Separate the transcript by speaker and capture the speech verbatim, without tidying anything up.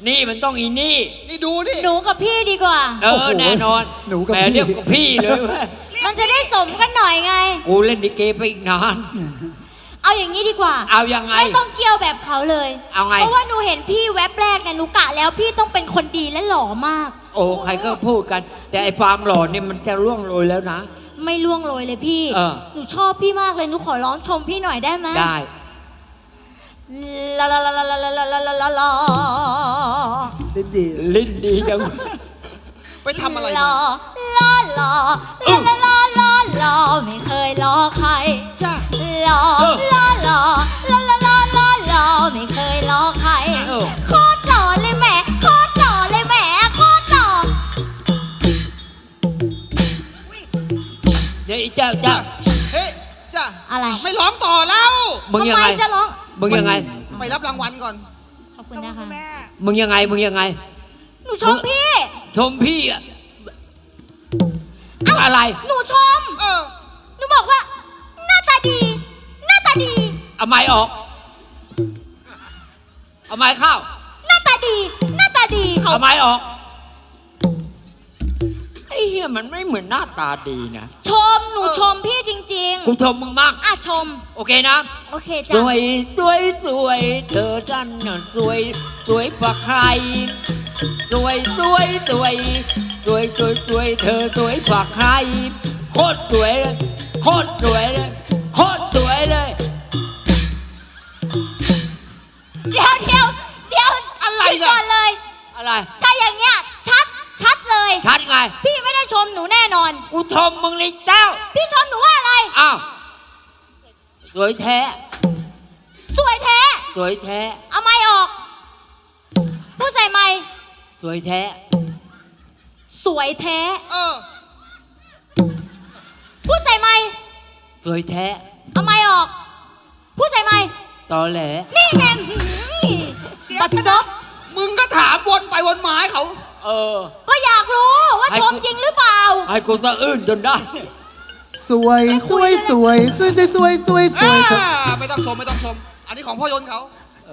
Speaker 1: นี่มันต้องอีนี่
Speaker 2: นี่ดูนี่
Speaker 3: หนูกับพี่ดีกว่า
Speaker 1: เออแน่นอน
Speaker 4: หนูกับ
Speaker 1: แหม
Speaker 4: พี่
Speaker 1: เรียกกับพี่เลยเว้ย
Speaker 3: มันจะได้สมกันหน่อยไง
Speaker 1: กูเล่นดิเกไปอีกนาน
Speaker 3: เอาอย่างนี้ดีกว่า
Speaker 1: เอายังไง
Speaker 3: ไม่ต้องเกี่ยวแบบเขาเลย
Speaker 1: เอาไง
Speaker 3: เพราะว่าหนูเห็นพี่แวบแรกเนี่ยหนูกะแล้วพี่ต้องเป็นคนดีและหล่อมาก
Speaker 1: โอ้ใครก็พูดกัน แต่ไอ้ความหล่อเนี่ยมันจะร่วงโรยแล้วนะ
Speaker 3: ไม่ล่วงโรยเลยพี่
Speaker 1: เออ
Speaker 3: หนูชอบพี่มากเลยหนูขอร้องชมพี่หน่อยได้ไหม
Speaker 1: ได้
Speaker 3: ลาลาลาลาลาลาลาลาลาลาลา
Speaker 4: ลิ้นดี
Speaker 1: ลิ้นดีจัง
Speaker 2: ไปทำอะไรมา
Speaker 3: ลาลาลาลาลาลาลาไม่เคยล้อใคร
Speaker 2: จ้า
Speaker 3: ลาลาลาลาลาลาลาลาไม่เคยล้อใครโคตรหล่อเลยแหมโคตรหล่อเลยแหมโคตรหล่อ
Speaker 1: เดี๋ยวไอ้เจ้าเจ้า
Speaker 2: เฮ้ยจ้า
Speaker 3: อะไร
Speaker 2: ไม่ร้องต่อแล้ว
Speaker 1: มึงยังไง
Speaker 3: จะร้อง
Speaker 1: มึงยังไง
Speaker 2: ไปรับรางวัลก่อน
Speaker 3: ขอบคุณนะคะ
Speaker 1: มึงยังไงมึงยังไง
Speaker 3: หนูชมพี่
Speaker 1: ชมพี่อะอะไร
Speaker 3: หนูชม
Speaker 2: เออ
Speaker 3: หนูบอกว่าหน้าตาดีหน้าตาดี
Speaker 1: เอาไม้ออกเอาไม้เข้า
Speaker 3: หน้าตาดีหน้าตาดี
Speaker 1: เอาไม้ออกไอ้เหี้ยมันไม่เหมือนหน้าตาดีนะ
Speaker 3: ชมหนูชมพี่จริงๆ
Speaker 1: กูชมมึงมาก
Speaker 3: อ่ะชม
Speaker 1: โอเคนะ
Speaker 3: โอเคจ้ะ
Speaker 1: สวยสวยสวยเธอจันน่ะสวยสวยกว่าใครสวยสวยสวยสวยสวยสวยเธอสวยกว่าใครโคตรสวยเลยโคตรสวยเลยโคตรสวยเลย
Speaker 3: เดี๋ยวเดี๋ยวเดี๋ยว
Speaker 2: อะไร
Speaker 3: ก่อนเลย
Speaker 1: อะไร
Speaker 3: ถ้าอย่างเงี้ยชัดชัดเลย
Speaker 1: ชัดไง
Speaker 3: พี่ไม่ได้ชมหนูแน่นอน
Speaker 1: กูชมมึงเลยเจ้า
Speaker 3: พี่ชมหนูว่าอะไร
Speaker 1: อ้าวสวยแท้
Speaker 3: สวยแท้
Speaker 1: สวยแท้
Speaker 3: เอาไม้ออกพูดใส่ไม้
Speaker 1: สวยแท้
Speaker 3: สวยแท้
Speaker 2: เออ
Speaker 3: พูดใส่ไม้
Speaker 1: สวยแท้
Speaker 3: เอาไม้ออกพูดใส่ไม้
Speaker 1: ตอแหล
Speaker 3: นี่แม่บัดซบ
Speaker 2: มึงก็ถามวนไปวนมาให้เขา
Speaker 1: เออ
Speaker 3: ก็อยากรู้ว่าชมจริงหรือเปล่า
Speaker 1: ให้กูสะอื้นจนได้
Speaker 4: สวยสวยสวยสวยสวยสวยสวย
Speaker 2: ไม่ต้องชมไม่ต้องชมอันนี้ของพ่อยนต์เขา